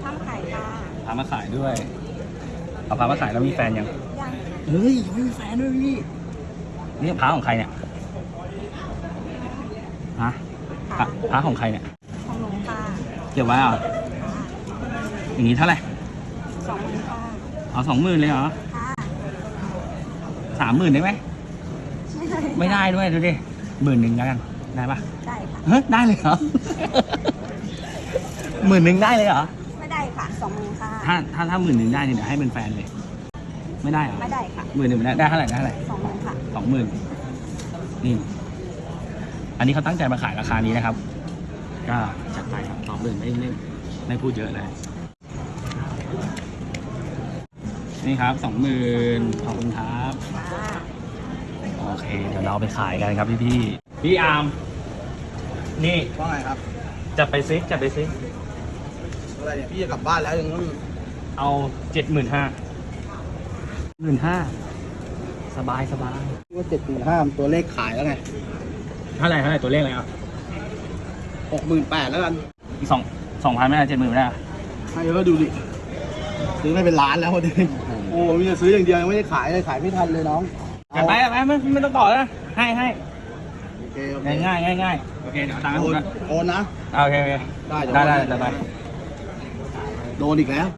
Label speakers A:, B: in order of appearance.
A: ทำไข่ค่ะ
B: พามาขายด้วยเอาพามาขายแล้วมีแฟนยัง
A: ยัง
B: เฮ้ยยังไม่มีแฟนด้วยพี่นี่พาของใครเนี่ยฮะพาของใครเนี่ย
A: ของหนูค่ะ
B: เก็บไว้เหรออย่างนี้เท่าไหร่
A: 20,000ค่ะ
B: เอา20,000เลยเหรอ
A: ค่ะ
B: 30,000ได้ไหมไม่ได้ด้วยดูดิ10,000แล้วกันได้ปะ
A: ได้ค่ะ
B: เฮ้ยได้เลยเหรอ 10,000ได้เลยเหรอ
A: ไม่ได้ค่ะ20,000ค่ะ
B: ถ้า10,000ได้เนี่ยเดี๋ยวให้เป็นแฟนเลย ไม่ได้เหรอ
A: ไม่ได้ค่ะ
B: 10,000ไม่ได้ได้เท่าไหร่ได้เท่าไหร่
A: 20,000ค่ะ
B: 20,000นี่ อันนี้เขาตั้งใจมาขายราคานี้นะครับ ก็จัดไปครับ20,000ไม่พูดเยอะเลยนี่ครับ20,000ขอบคุณครับ
A: ค่ะ
B: โอเค เดี๋ยวเราไปขายกันครับพี่อาร์มนี่
C: ว่าไงครับ
B: จับไปซิ
C: อะไรเนี่ยพี่จะกลับบ้านแล้วยังต้อง
B: เอา15,000สบาย
C: ว่า75,000ตัวเลขขายแล้วไง
B: เท่าไหร่ตัวเลขอะไรอ่ะ
C: 68,000แล้วกัน
B: อีก2,000ไม่ได้70,000ไม่ได้อะ
C: ให้ก็ดูดิซื้อไม่เป็นล้านแล้วพอดีโอ้มีแต่ซื้ออย่างเดียวยังไม่ได้ขายเลยขายไม่ทันเลยน้อง
B: จัดไปไม่ต้องต่อแล้วให้
C: โอเคโอเค
B: ง่ายโอเคเดี๋ยวเอาตังค์ให้ผมนะ
C: โอนนะ
B: โอเค
C: ได้
B: ได้
C: เดี๋ยว
B: ไป
C: โดนอีกแล้ว